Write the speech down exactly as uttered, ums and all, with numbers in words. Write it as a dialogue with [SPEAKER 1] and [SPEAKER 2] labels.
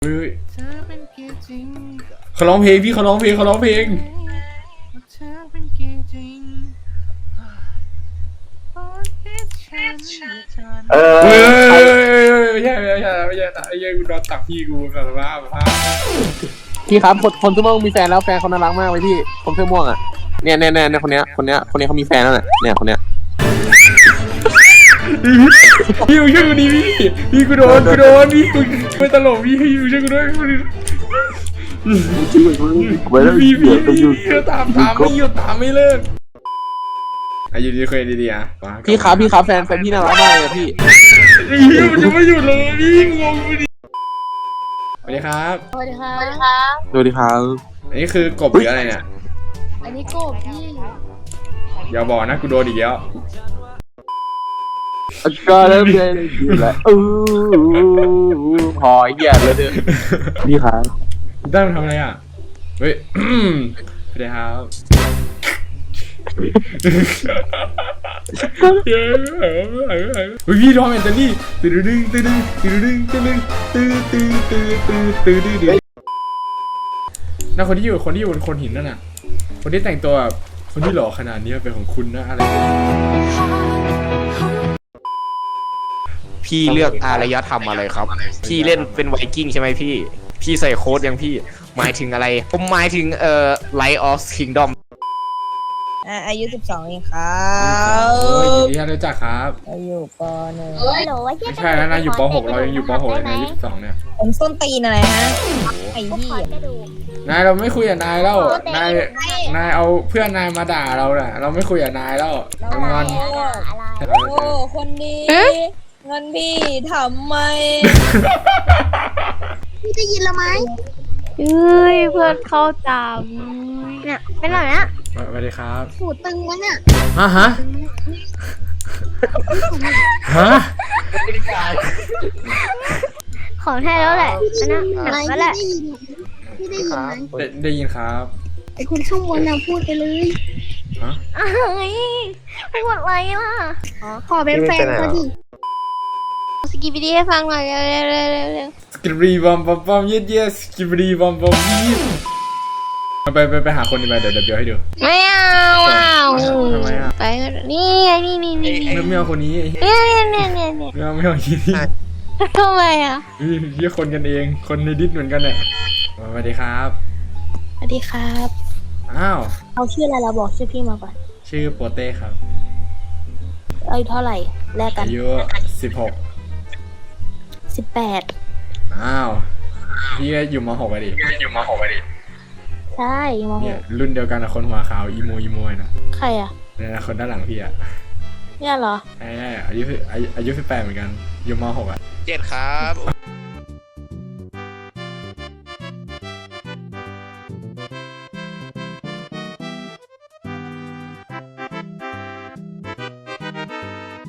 [SPEAKER 1] เฮ้ยเขาร้องเพลงพี่เขาร้องเพลงเขาร้องเพลง
[SPEAKER 2] เออ
[SPEAKER 1] เฮ้ยไม่ใช่ไม่ใช่ไม่ใช่ไอ้ยังกูนอนตักพี่กูสารภาพภาพ
[SPEAKER 2] พี่ครับคนคนเสื้อม่วงมีแฟนแล้วแฟนเขาน่ารักมากเลยพี่คนเสื้อม่วงอ่ะเนี่ยเนี่ยเนี่ยคนเนี้ยคนเนี้ยคนเนี้ยเขามีแฟนแล้วเนี่ยเนี่ยคนเนี้ย
[SPEAKER 1] พี่อยู่ช่วยกูดิพี่พี่กูโดนกูโดนพี่กูไม่ตลกพี่อยู่ช่วยกูด้วยพี่พี่พี่ตามตามไม่หยุดตามไม่เลิกอายุดีเคยดีๆอ่ะ
[SPEAKER 2] พี่ครับพี่ครับแฟนแฟนพี่น่ารักมากเลยพี่
[SPEAKER 1] พี่มันจะไม่หยุดเลยพี่งงดิสวัสดีครับ
[SPEAKER 3] สวัสดีครับสวัสดีครับ
[SPEAKER 2] สวัสดีครับ
[SPEAKER 1] อันนี้คือกบหรืออะไรเนี่ย
[SPEAKER 3] อันนี้กบพี่
[SPEAKER 1] อย่าบอกนะกูโดนอีกแล้ว
[SPEAKER 2] ก็เริ่มเลยอยู่แล้วอู้พอเหี้ยเลยเด้อพี่ครับ
[SPEAKER 1] ได้มันทำอะไรอ่ะเฮ้ยสวัสดีครับเฮ้ยพี่ร้องแอนเจลี่ตื่นดึงตื่นดึงตื่นดึงตื่นดึงตื่นตื่นตื่นตื่นตื่นตื่นน่าคนที่อยู่คนที่อยู่บนโคนหินนั่นน่ะคนที่แต่งตัวแบบคนที่หล่อขนาดนี้เป็นของคุณนะอะไร
[SPEAKER 4] พี่เลือกอารยธรรมอะไรครับพี่เล่นเป็นไวกิ้งใช่ไหมพี่พี่ใส่โค้ดยังพี่หมายถึงอะไรผมหมายถึงเอ่อ Light of Kingdom
[SPEAKER 5] อายุสิบสองเองครับ
[SPEAKER 1] โอ้ยยินดีที่รู้จักครับ
[SPEAKER 5] เราอยู่ปหนึ่ง
[SPEAKER 3] ฮัลโหลว่า
[SPEAKER 1] ไม่ใช่นะนายอยู่ปหกเรายังอยู่ปหกเลยนายอายุสิบสองเนี่ย
[SPEAKER 5] ผมส้นตีนอะไรฮะไอ้พี่
[SPEAKER 1] นายเราไม่คุยกับนายแล้วนายนายเอาเพื่อนนายมาด่าเราน่ะเราไม่คุยกับนายแล้วงอน
[SPEAKER 5] โอ้คนดีเงินพี่ทำไม
[SPEAKER 3] พี่ได้ยินแล้วไหมเฮ้ยเพื่อนเข้าจำเนี่ยเป็นไรนะ
[SPEAKER 1] สวัสดีครับ
[SPEAKER 3] หูตึงวะเนี่ย
[SPEAKER 1] ฮะฮะฮะ
[SPEAKER 3] ของแท้แล้วแหละอันนั้นหนักแล้วแหละพี่ได้ยินไหม
[SPEAKER 1] ได้ยินครับ
[SPEAKER 3] ไอคนข้างบนน่ะพูดไปเลย
[SPEAKER 1] ฮะ
[SPEAKER 3] อะไรพูดอะไรล่ะขอเป็นแฟนเขาดิสกิปปี้ให้ฟังหน่อยเร็วเร็วเร็วเร็ว
[SPEAKER 1] สกิปปี้บอมบอมบอมเย็ดเย็ดสกิปปี้บอมบอมยี่ไปไปไปหาคนดีไปเดี๋ยวเดี๋ยวให้ดู
[SPEAKER 3] ไม่เอาอ่ะ
[SPEAKER 1] ทำไมอ่ะ
[SPEAKER 3] ไปนี่นี่นี่นี่
[SPEAKER 1] ไม่ไม่เอาคนนี้
[SPEAKER 3] เนี่ยเนี่ยเนี่ยเนี่ยเนี่ย
[SPEAKER 1] ไม่เอาไม่เอาที่นี่
[SPEAKER 3] ทำไมอ่ะ
[SPEAKER 1] พี่คนกันเองคนในดิสเหมือนกันเนี่ยสวัสดีครับ
[SPEAKER 3] สวัสดีครับ
[SPEAKER 1] อ้าว
[SPEAKER 3] เอาชื่ออะไรเราบอกชื่อพี่มาก่อน
[SPEAKER 1] ชื่อโปเต้ครับ
[SPEAKER 3] อายุเท่าไหร่แลกกัน
[SPEAKER 1] อายุสิบหก
[SPEAKER 3] สิบแปด
[SPEAKER 1] อ้าวพี่อยู่มหกไปดิพี่อยู่มหกไปดิ
[SPEAKER 3] ใช่มหก
[SPEAKER 1] รุ่นเดียวกันกับคนหัวขาวอีโมอีโมน่ะ
[SPEAKER 3] ใครอ่ะ
[SPEAKER 1] เนี่ยคนด้านหลังพี่อ่ะ
[SPEAKER 3] เนี่ยเหรอ
[SPEAKER 1] ใช่อายุอายุสิบแปดเหมือนกันอยู่มหกอ่ะ
[SPEAKER 4] เจ็ดครับ